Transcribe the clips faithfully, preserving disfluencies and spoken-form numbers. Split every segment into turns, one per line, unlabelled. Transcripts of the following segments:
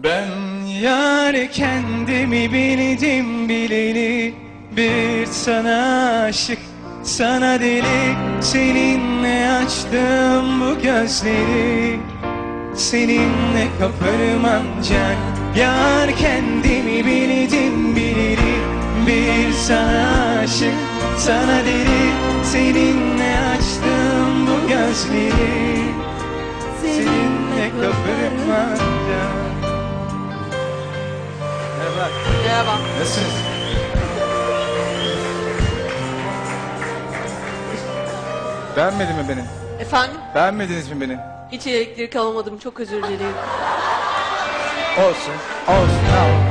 Ben yar kendimi bildim bileli, bir sana aşık, sana deli. Seninle açtım bu gözleri, seninle kaparım ancak. Yar kendimi bildim bileli, bir sana aşık, sana deli. Seninle açtım bu gözleri, seninle kaparım ancak. Merhaba.
Merhaba.
Nasılsınız? Beğenmedin mi beni?
Efendim?
Beğenmediniz mi beni?
Hiç elektrik alamadım. Çok özür dilerim.
Olsun. Olsun. Ne yapalım?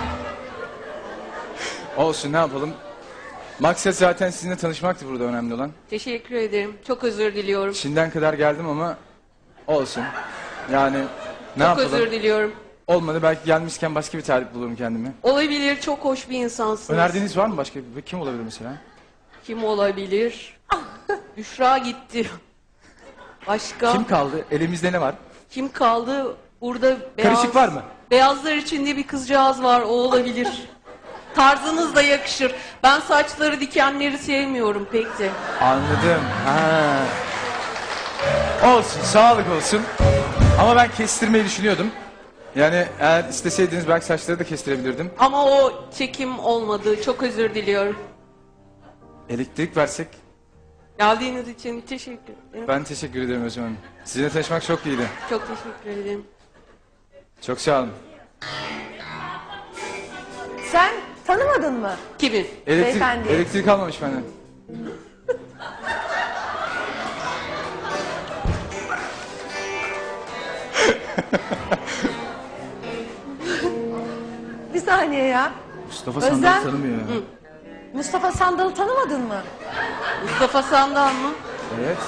Olsun. Ne yapalım? Maksat zaten sizinle tanışmaktı burada önemli olan.
Teşekkür ederim. Çok özür diliyorum.
Çin'den kadar geldim ama olsun. Yani ne
Çok
yapalım?
özür diliyorum.
Olmadı, belki gelmişken başka bir tarif bulurum kendime.
Olabilir. Çok hoş bir insansınız.
Önerdiğiniz var mı başka? Kim olabilir mesela?
Kim olabilir? Büşra gitti. Başka?
Kim kaldı? Elimizde ne var?
Kim kaldı? Burada beyaz...
Karışık var mı?
Beyazlar içinde bir kızcağız var. O olabilir. Tarzınız da yakışır. Ben saçları dikenleri sevmiyorum pek de.
Anladım. Ha. Olsun, sağlık olsun. Ama ben kestirmeyi düşünüyordum. Yani eğer isteseydiniz belki saçları da kestirebilirdim.
Ama o çekim olmadı. Çok özür diliyorum.
Elektrik versek.
Geldiğiniz için teşekkür ederim.
Ben teşekkür ederim Özlem Hanım. Sizinle tanışmak çok iyiydi.
Çok teşekkür ederim.
Çok sağ olun.
Sen tanımadın mı?
Kimi?
Elektrik,
Beyefendi.
elektrik almamış benden.
Bir saniye ya.
Mustafa
Özlem.
Sandal'ı tanımıyor ya.
Mustafa Sandal'ı tanımadın mı?
Mustafa Sandal mı?
Evet.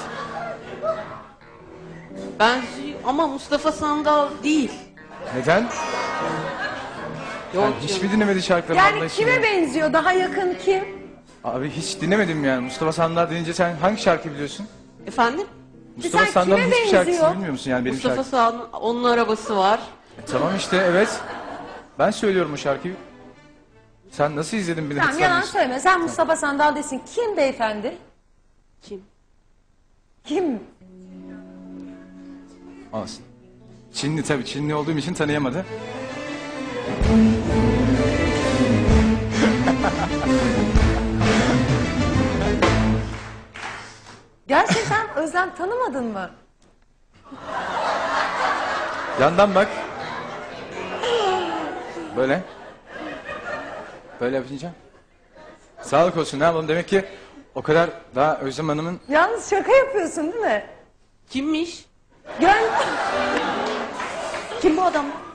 Ben ama Mustafa Sandal değil.
Neden?
Yok
Yani hiç
canım.
mi dinlemedi şarkılarını? Allah
Yani
aşkına?
kime benziyor? Daha yakın kim?
Abi hiç dinlemedim yani. Mustafa Sandal deyince sen hangi şarkı biliyorsun?
Efendim?
Mustafa
sen
Sandal'ın
kime
hiçbir şarkısını
benziyor?
bilmiyor musun yani benim
Mustafa
şarkım?
Sandal, onun arabası var.
E, tamam işte, evet. Ben söylüyorum o şarkıyı. Sen nasıl izledin beni?
Tamam, yalan söyleme. Sen Mustafa Sandal desin. Kim beyefendi?
Kim?
Kim?
Olsun. Çinli tabii. Çinli olduğum için tanıyamadı.
Gerçekten Özlem tanımadın mı?
Yandan bak. Böyle. Böyle yapınca. Sağlık olsun, ne yapalım, demek ki o kadar daha Özlem Hanım'ın...
Yalnız şaka yapıyorsun değil mi?
Kimmiş?
Gel.
Kim bu adam?